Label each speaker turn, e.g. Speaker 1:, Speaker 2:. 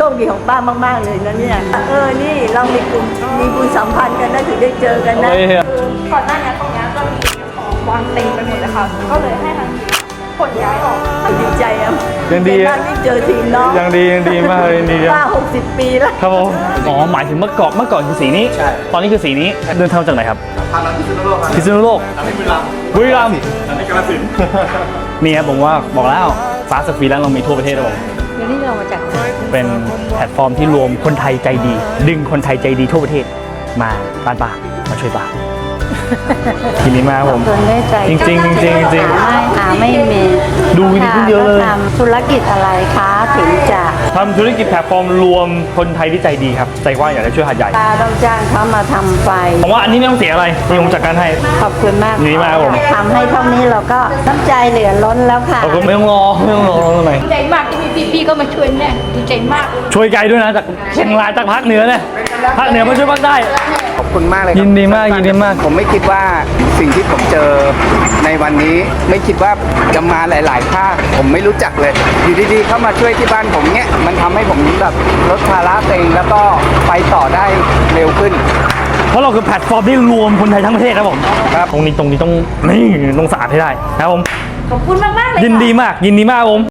Speaker 1: คดีของป้ามากๆเลยนะเนี่ยนี่เรามีกลุ่มมีบุญสัมพันธ์กันนะถึงได้เจอกันนะ
Speaker 2: ก่อนหน้านี้ตรงนี้ก็มีของวางเต็มไปหมดเลยค่ะก็เลยให้ทางขนย้ายออก
Speaker 1: ดีใจอ่ะ
Speaker 3: ยังดี
Speaker 1: มากที่เจอทีมน้อง
Speaker 3: ยังดีมากเลยดี
Speaker 1: ป้า60 ปีแล้ว
Speaker 3: ครับผมอ๋อหมายถึงเมื่อก่อนคือสีนี้ตอนนี้คือสีนี้เดินทางจากไหนครับ
Speaker 4: ทางพิษณุโลก
Speaker 3: พิษณุโลก
Speaker 4: อันนี้บุรีรัมย์
Speaker 3: บุรีรัมย์
Speaker 4: อันนี้กาฬสินธุ์
Speaker 3: นี่ครับผมว่าบอกแล้วฟ้าสฟรีแลนซ์เรามีทั่วประเทศครับผม
Speaker 1: เดี๋ยวนี้เรามาจากไหน
Speaker 3: เป็นแพลตฟอร์มที่รวมคนไทยใจดี ดึงคนไทยใจดีทั่วประเทศมาบ้านป้ามาช่วยป้าทีนี้มาผมจริง
Speaker 1: ไม่มี
Speaker 3: ดูวิดีโอเยอะเลย
Speaker 1: ทำธุรกิจอะไรคะถึงจะ
Speaker 3: ทำธุรกิจแพลตฟอร์มรวมคนไทยที่ใจดีครับใจกว้างอยากจะช่วยหาดใหญ่
Speaker 1: ตาต้องจ้างเขามาทำไฟ
Speaker 3: ผมว่าอันนี้ไม่ต้องเสียอะไรนี่ผมจัดการให้
Speaker 1: ขอบคุณมาก
Speaker 3: ดีมากผม
Speaker 1: ทำให้เท่านี้เราก็น้ำใจเหลือล้นแล้วค่ะ
Speaker 3: ขอบคุณไม่ต้องรอทำไม
Speaker 2: ดีใจมากที่มีพี่ๆก็มาช่วยแม่ดีใจมาก
Speaker 3: ช่วยไกลด้วยนะจากเชียงรายจากภาคเหนือเนี่ยภาคเหนือมาช่วยภาคใต้
Speaker 5: ขอบคุณมากเลยครับ
Speaker 3: ยินดีมาก
Speaker 5: ผมไม่คิดว่าสิ่งที่ผมเจอในวันนี้ไม่คิดว่าจะมาหลายๆภาคผมไม่รู้จักเลยอยู่ดีๆเข้ามาช่วยที่บ้านผมเนี่ยมันทำให้ผมแบบลดภาระตัวเองแล้วก็ไปต่อได้เร็วขึ้น
Speaker 3: เพราะเราคือแพลตฟอร์มที่รวมคนไทยทั้งประเทศครับผมครับตรงนี้ต้องสะอาดให้ได้นะครับผม
Speaker 2: ขอบคุณมากๆเลย
Speaker 3: ยินดีมากผม